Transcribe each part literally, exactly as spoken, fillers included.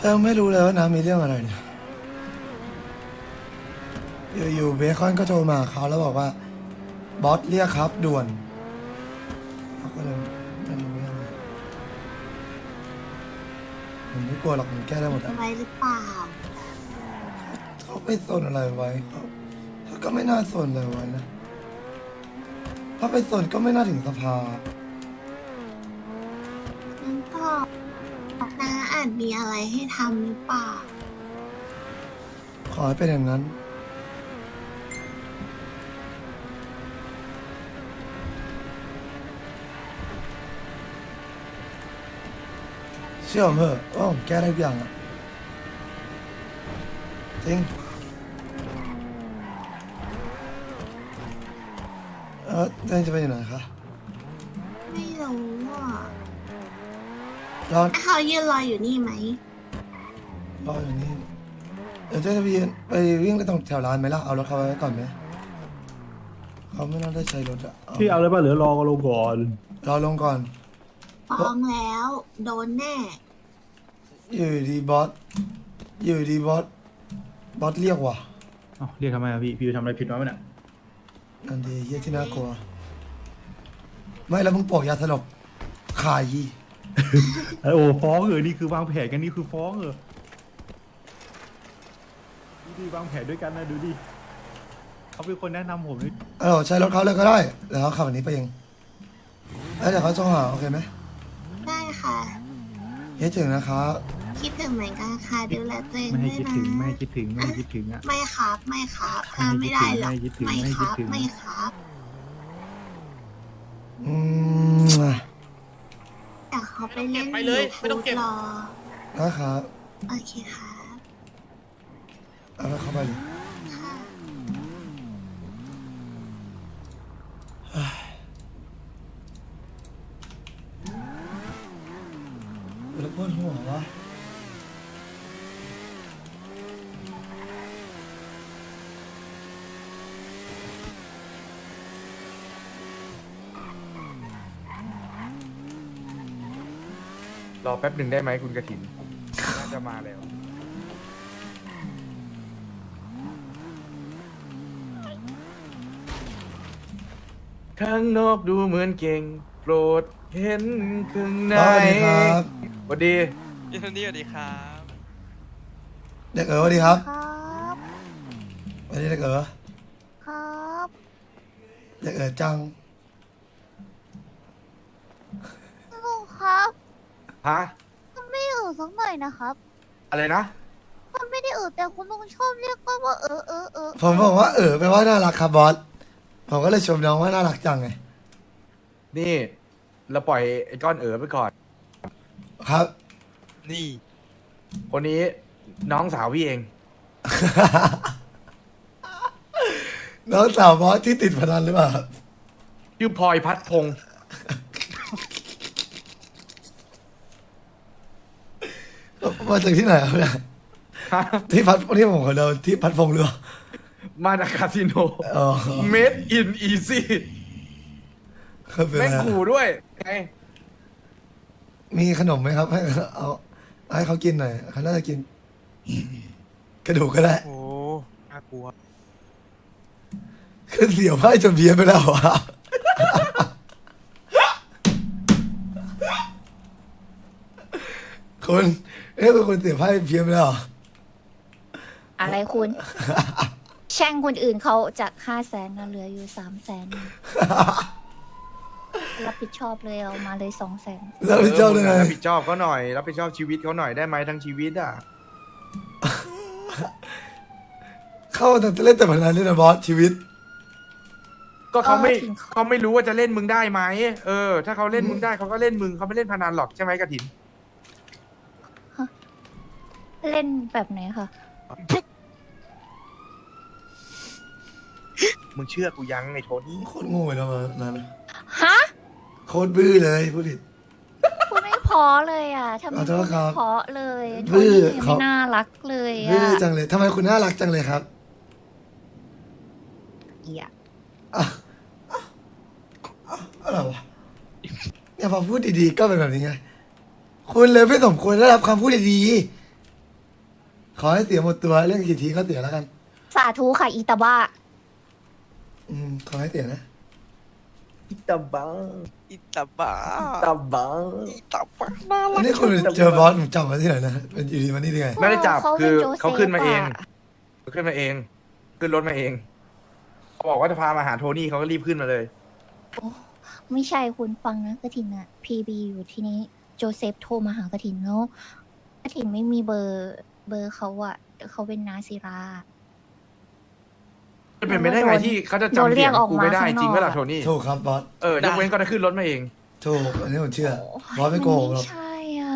แต่ไม่รู้เลยว่าน้ำมีเรื่องอะไรเนี่ยอยู่ๆเบคอนก็โทรมาเขาแล้วบอกว่าบอสเรียกครับด่วนเขาก็เลยไม่รู้ยังไงผมไม่กลัวหรอกผมแก้ได้หมดอะไว้หรือเปล่าเขาไปสนอะไรไว้เขาเขาก็ไม่น่าสนอะไรไว้นะถ้าไปสนก็ไม่น่าถึงสภางั้นก็น้าอาจมีอะไรให้ทำหรือเปล่าขอให้เป็นอย่างนั้นเชื่อผมเถอะว่าผมแก้ได้ทุกอย่างอะจริงเออเรื่องจะไปอยู่ไหนคะไม่รู้อ่ะรอเขายืนรออยู่นี่ไหมรออยู่นี่เดี๋ยวเจะไปยืนไปวิ่งไปตรงแถวร้านไหมล่ะเอารถเขาไว้ก่อนไหมเขาไม่น่าได้ใช้รถอะพี่เอาเลยป่ะหรือรอก็ลงก่อนรอลงก่อนฟ้องแล้ว โดนแน่อยู่ดีบอสอยู่ดีบอสบอสเรียกว่ะเอ้าเรียกทำไมอะพี่ พี่ไปทำอะไรผิดมาไหมเนี่ยนันดีเฮียที่น่ากลัว ไม่แล้วมึงโปอกยาสลบขายยี่ไอ้โอ้ฟ้องเหรอนี่คือวางแผนกันนี่คือฟ้องเหรอดูดิวางแผนด้วยกันนะดูดิเขาเป็นคนแนะนำผมนี่เออใช้รถเขาเลยก็ได้เดี๋ยวเขาขับอันนี้ไปเองแล้วเดี๋ยวเขาส่งหาโอเคไหมได้ค่ะเฮ้ยถึงนะครับคิดถึงเหมือนกันค่ะดูแลตัวเองไม่ให้ด้วยคิดนะถึงไม่ให้คิดถึงไม่ให้คิดถึงอะไม่ครับ ไม่ครับทำไม่ได้หรอกไม่คิดถึงไม่ไม่คคิดรับถึงไม่ครับอืมแต่เขาไปเล่นไปเลยอยู่ไม่ต้องเก็บฟู้ดรอนะครับโอเคครับเอาแล้วเข้าไปเลยค่ะแล้วปวดหัววะรอแป๊บหนึ่งได้ไหมคุณกระถิน น่าจะมาแล้ว ข้างนอกดูเหมือนเก่ง โปรดเห็นข้างในสวัสดีครับสวัสดีพี่โทนี่สวัสดีครับเด็กเอ๋อสวัสดีครับครับสวัสดีเด็กเอ๋อครับเด็กเอ๋อจังลุงครับฮะมันไม่อือสักหน่อยนะครับอะไรนะมันไม่ได้อือแต่คุณลุงชอบเรียกก็ว่าเออเออเออผมบอกว่าเออแปลว่าน่ารักครับบอสผมก็เลยชมน้องว่าน่ารักจังไงนี่ เราปล่อยไอ้ก้อนเอ๋อไปก่อนครับนี่คนนี้น้องสาวพี่เองน้องสาวบอสที่ติดพนันหรือเปล่าครับชื่อพลอยพัดพงษ์มาจากที่ไหนครับเนี่ยฮะที่พัดที่ผมขอเดินที่พัดพงษ์หรือเปล่ามาจากคาสิโนอ๋อ Made in Easy ครับเป็นแม่งไรขู่ด้วยไงมีขนมไหมครับให้เอาให้เขากินหน่อยเขาน่าจะกิน กระดูกก็ได้โอ้น่ากลัวขึ้นเสียวไพ่จนเพี้ยนไปแล้วอะคุณเอ้ยคุณเสียวไพ่เพี้ยนไปแล้วเหรออะไรคุณ แช่งคนอื่นเขาจากห้าแสนนะเหลืออยู่สามแสนรับผิดชอบเลยเอามาเลยสองแสนแล้วพี่เจ้าเลยไงรับผิดชอบเขาหน่อย รับผิดชอบชีวิตเขาหน่อยได้ไหมทั้งชีวิตอ่ะเข้าแต่เล่นแต่พนันเล่นแต่บอสชีวิตก็เขาไม่เขาไม่รู้ว่าจะเล่นมึงได้ไหมเออ ถ้าเขาเล่นมึงได้เขาก็เล่นมึงเขาไม่เล่นพนันหรอกใช่ไหมกระถินเล่นแบบไหนคะมึงเชื่อกูยังไอ้โทนี่โคตรโง่เลยนะมันนั้นฮะโคตรบื้อเลยพูดผิดพูดไม่เพอเลยอ่ะทำไมขอโทพูษดครัไม่บเพอเลยบื้โทอนี่เขาไม่น่ารักเลยบื้อ่ะอจังเลยทำไมคุณน่ารักจังเลยครับเกียอ่ะอ่ะอ่ะอะไรวะเนี่ยพอพูดดีๆก็เป็นแบบนี้ไง คุณเลยไม่สมควรได้รับคำพูดดีขอให้เสียหมดตัวเรื่องกี่ทีก็เสียแล้วกันสาธุค่ะอีตาบ้าอืมขอให้เสียนะอิตาบังอิตาบ้าอิตาบังอิตาบ้าน่าอัรันกนี้คุณเจอบอสผมจำมาที่ไหนนะเป็นอยู่ดีมานี่ได้ไงไม่ได้จับเขาเป็คืนอโจเซฟเขาขึ้นมาเองอะเขาขึ้นมาเอง ขึ้นรถมาเองเขาบอกว่าจะพามาหาโทนี่เขาก็รีบขึ้นมาเลยไม่ใช่คุณฟังนะกระถินอะพีบีอยู่ที่นี้โจเซฟโทรมาหากระถินแล้วกระถินไม่มีเบอร์เบอร์เขาอะแต่เขาเป็นนาซีราจะเป็นไปได้ไงที่เขาจะโดนจำเรีเสียยกงออกกูมาไม่ได้ข้างนอกจริงก็ล่ะอะโทนี่ถูกครับบอสเออยกเว้นก็จะขึ้นรถมาเองถูกอันนี้ผมเชื่อโอ้บอสไม่โกหกหรอกมันไม่ใช่อ่ะ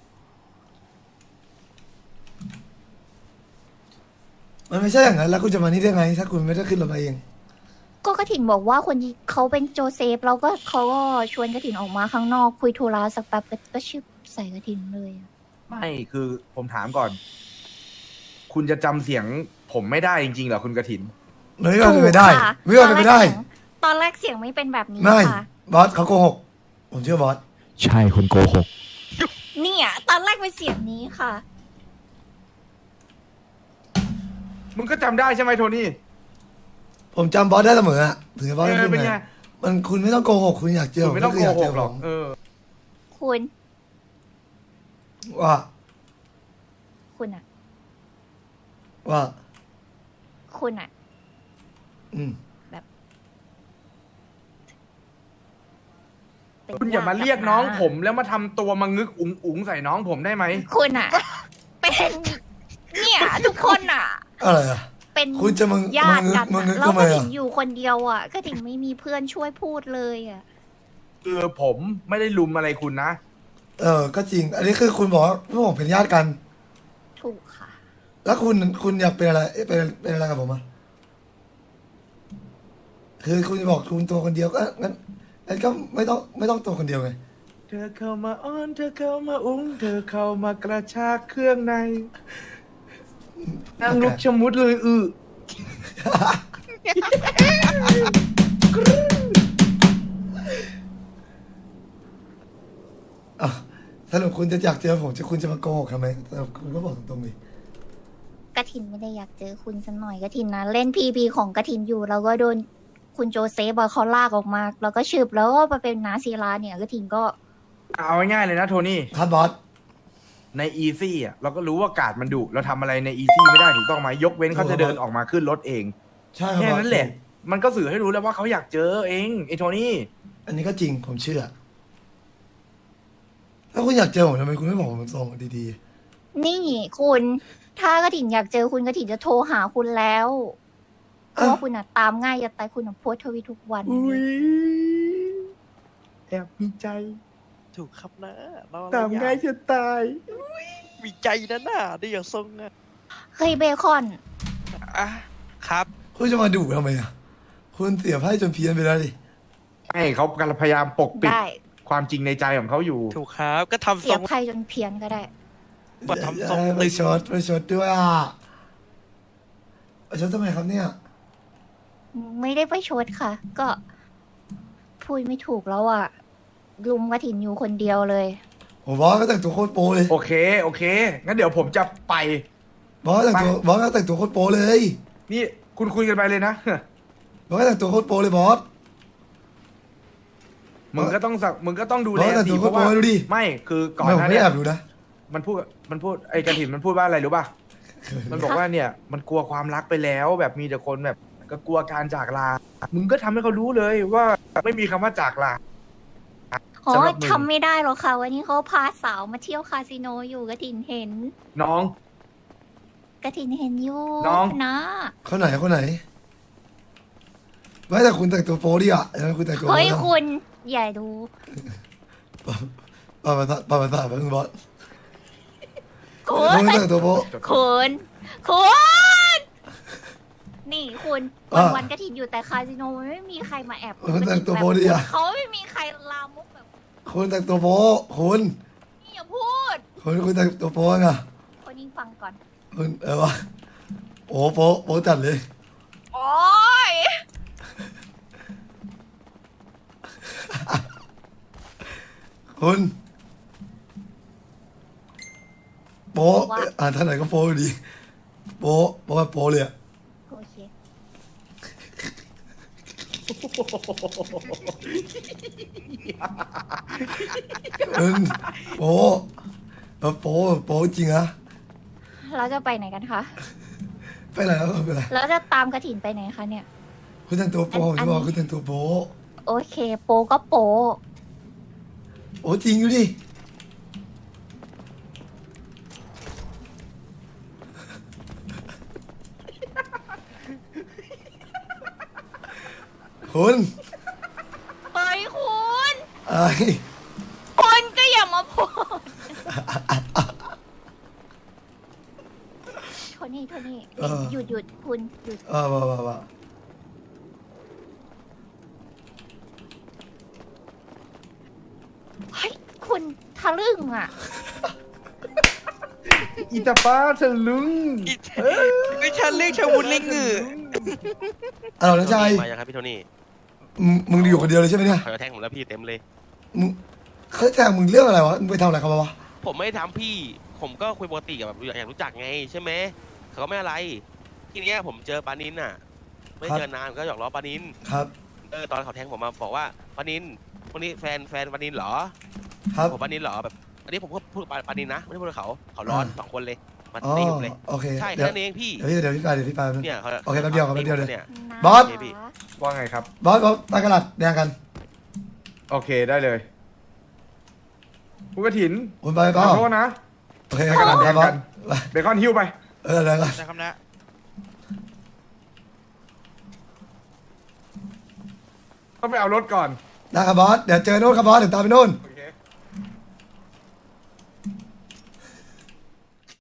มันไม่ใช่อย่างนั้นแล้วคุณจะมานี่ได้ไง ถ้าคุณไม่ได้ขึ้นรถมาเองก็กระถินบอกว่าคนที่เขาเป็นโจเซฟแล้วก็เขาก็ชวนกระถินออกมาข้างนอกคุยธุระสักแป๊บก็ชื่อใส่กระถินเลยอะไม่คือผมถามก่อน คุณจะจำเสียงผมไม่ได้จริงๆเหรอคุณกระถินไม่ว่าเป็นไปได้ถูกค่ะไม่ว่าเป็นไปได้ตอนแรกเสียงตอนแรกเสียงไม่เป็นแบบนี้ไม่ค่ะบอสเขาโกหก ผมเชื่อบอสใช่คนโกหกเนี่ยตอนแรกเป็นเสียงนี้ค่ะมึงก็จำได้ใช่ไหมโทนี่ผมจำบอสได้เสมออะถึงจะบอสเอไม่อพูดเป็นไงไงมันคุณไม่ต้องโกหกคุณอยากเจอคุณไม่ต้องคืโกยาหเจกหรอกผมเออคุณว่าคุณอะว่าคุณอะอืมเป็นคุณอย่ามาญติเรียกน้องผมแล้วมาทำตัวมางึกอุ๋งอุ๋งใส่น้องผมได้ไหมคุณอะเป็นเนี่ยทุกคนอะอะไรอะเป็นคุณจะมึงญาติกันมึงอะมึงแล้วทำไมก็อะถิงอยู่คนเดียวอะก็ถิงไม่มีเพื่อนช่วยพูดเลยอะคือผมไม่ได้ลุมอะไรคุณนะเออ ก็จริง อันนี้คือคุณบอกว่าพวกผมเป็นญาติกันถูกค่ะแล้วคุณคุณอยากเป็นอะไรเอ๊ะเป็นเป็นอะไรกับผมอะคือคุณจะบอกคุณตัวคนเดียวก็งั้นงั้นก็ไม่ต้องไม่ต้องตัวคนเดียวไงเธอเข้ามาอ้อนเธอเข้ามาอุ้งเธอเข้ามากระชากเครื่องในนั่งลุกชะมุดเลยอืออ่ะสรุปคุณจะอยากเจอผมจะคุณจะมาโกหกทำไมสรุปคุณก็บอกตรงๆดิกระถินไม่ได้อยากเจอคุณสักหน่อยกระถินนะเล่นพีพีของกระถินอยู่แล้วก็โดนคุณโจเซฟอะเขาลากออกมา แล้วก็ชืบแล้วก็มาเป็นนาซีลาเนี่ยกระถินก็เอาง่ายๆเลยนะโทนี่ครับบอสในอีซี่อ่ะเราก็รู้ว่ากาดมันดุเราทำอะไรในอีซี่ไม่ได้ถูกต้องไหมยกเว้นเขาจะเดินออกมาขึ้นรถเองใช่ครับแค่บอสนั้นแหละ มันก็สื่อให้รู้แล้วว่าเขาอยากเจอเองไอ้โทนี่อันนี้ก็จริงผมเชื่อถ้าคุณอยากเจอผมทำไมคุณไม่บอกผมตรงๆดีนี่คุณถ้ากระถินอยากเจอคุณกระถินจะโทรหาคุณแล้วเพๆอ้าราะวว่าคุณอะตามง่ายจะตายคุณอะโพสต์ทวิตทุกวันอุ้ยแอบมีใจถูกครับนะเราตามง่ายจะตายมีใจนะน่ะได้อย่างทรงอ่ะเฮ้ยเบคอนอ่ะครับคุณจะมาดุทำไมอ่ะคุณเสียไพ่จนเพี้ยนไปแล้วดิให้เขากำลังพยายามปกปิดได้ความจริงในใจของเขาอยู่ถูกครับก็ทำเสีทยรงไพ่จนเพี้ยนก็ได้มาทำทรงอย่าตึไปงชดไปชดด้วยอ่ะไปชดทำไมครับเนี่ยไม่ได้ไปชดค่ะ ก็พูดไม่ถูกแล้วอ่ะลุมกระถินอยู่คนเดียวเลยผมบอสก็แต่งตัวโคตรโปเลยโอเค โอเค งั้นเดี๋ยวผมจะไปบอสแต่งตัวบอสก็แต่งตัวโคตรโปเลยนี่คุณคุยกันไปเลยนะบอสก็แต่งตัวโคตรโปเลยบอสมึงก็ต้องสักมึงก็ต้องดูแลบอสแต่สิตัวเพราะว่าโคตรโปรดูดิไม่คือก่อนไม่หผมน้าไม่เนี้ได้ยแอบดูนะมันพูดมันพูดไอ้กระถิ่นมันพูดว่าอะไรรู้ป่ะ มันบอกว่าเนี่ย มันกลัวความรักไปแล้ว แบบมีแต่คนแบบ ก็กลัวการจากลา มึงก็ทำให้เขารู้เลยว่าไม่มีคำว่าจากลาอ๋อสำหรับมึงทำไม่ได้หรอกค่ะ วันนี้เขาพาสาวมาเที่ยวคาสิโนอยู่กระถินเห็นน้องกระถินเห็นอยู่น้องนะคนไหนคนไหนไม่แต่คุณแต่งตัวโปดิอ่ะเออคุณแต่งตัวโปเฮ้ยนะคุณอย่าดูปาปาตาปาปาตาเพิ่งบอสคุคุณณแต่งตัวโปคุณคุณนี่คุณวันอ่ะวันๆกระถินอยู่แต่คาสิโนมันไม่มีใครมาแอบคุณแต่งตัวโปดิอ่ะเขาไม่มีใครลามกแบบคุณแต่งตัวโปคุณนี่อย่าพูดคุณคุณแต่งตัวโปไงคนยิงฟังก่อนคุณเออวะโอ้โปโปจัดเลยโอ้ยคุณโปอ่านท่านไหนก็โปอยู่ดีโป๊ะโป๊ะโป๊ะเลยอะโอเคเออโป๊ะเออโป๊ะโป๊ะจริงอะเราจะไปไหนกันคะไปไหนแล้วไปไหนแล้วจะตามกระถินไปไหนคะเนี่ยคุณแต่งตัวโป๊ะผมอันจะบอกอันนี้คุณแต่งตัวโป๊ะโอเค โปก็โปโอ้จริงดูดิคุณเฮ้ยคุณอะไรคุณก็อย่ามาพูดโทนี่โทนี่หยุดหยุดคุณหยุดเออมามามาเฮ้ยคุณทะลึ่งอ่ะอีตาป้าทะลึงอีไม่ใช่เรียกชาวุนเล่งเหงือเอาน้องชายมายังครับพี่โทนี่มึงมึงอยู่คนเดียวเลยใช่ไหมเนี่ยเขาจะแทงผมแล้วพี่เต็มเลยมึงเขาแทงมึงเรื่องอะไรวะมึงไปทำอะไรเขามาวะผมไม่ได้ทำพี่ ผมก็คุยปกติกับแบบอยากรู้จักไงใช่ไหมเขาก็ไม่อะไร ทีเนี้ยผมเจอปานินน่ะ ไม่เจอนานก็หยอกล้อปานินครับเออตอนเขาแทงผมมาบอกว่าปานินคนนี้แฟนแฟนปานินเหรอครับผมปานินเหรอแบบอันนี้ผมก็พูดปาปานินนะไม่ได้พูดกับเขาเขาร้อนอ่าสองคนเลยมาอ๋อตีผมเลยโอเคใช่เดี๋ยวแค่นั้นเองพี่เดี๋ยวพี่เดี๋ยวพี่ไปเดี๋ยวพี่ไปแป๊บนึงเนี่ยเขาโอเคแป๊บเดียวครับแป๊บเดียวเลยเนี่ยบอสโอเคพี่ว่าไงครับบอสบอสไปกระดาษแดงกันโอเคได้เลยคุณกระถินคุณไปขเปล่าอโทษนะโอเคกระดาษแดงบอสเบคอนฮิ้วไปเออแดงกันนะครับนะต้องไปเอารถก่อนได้ครับบอสเดี๋ยวเจอโน่นครับบอสเดี๋ยวตามไปโน่นโอ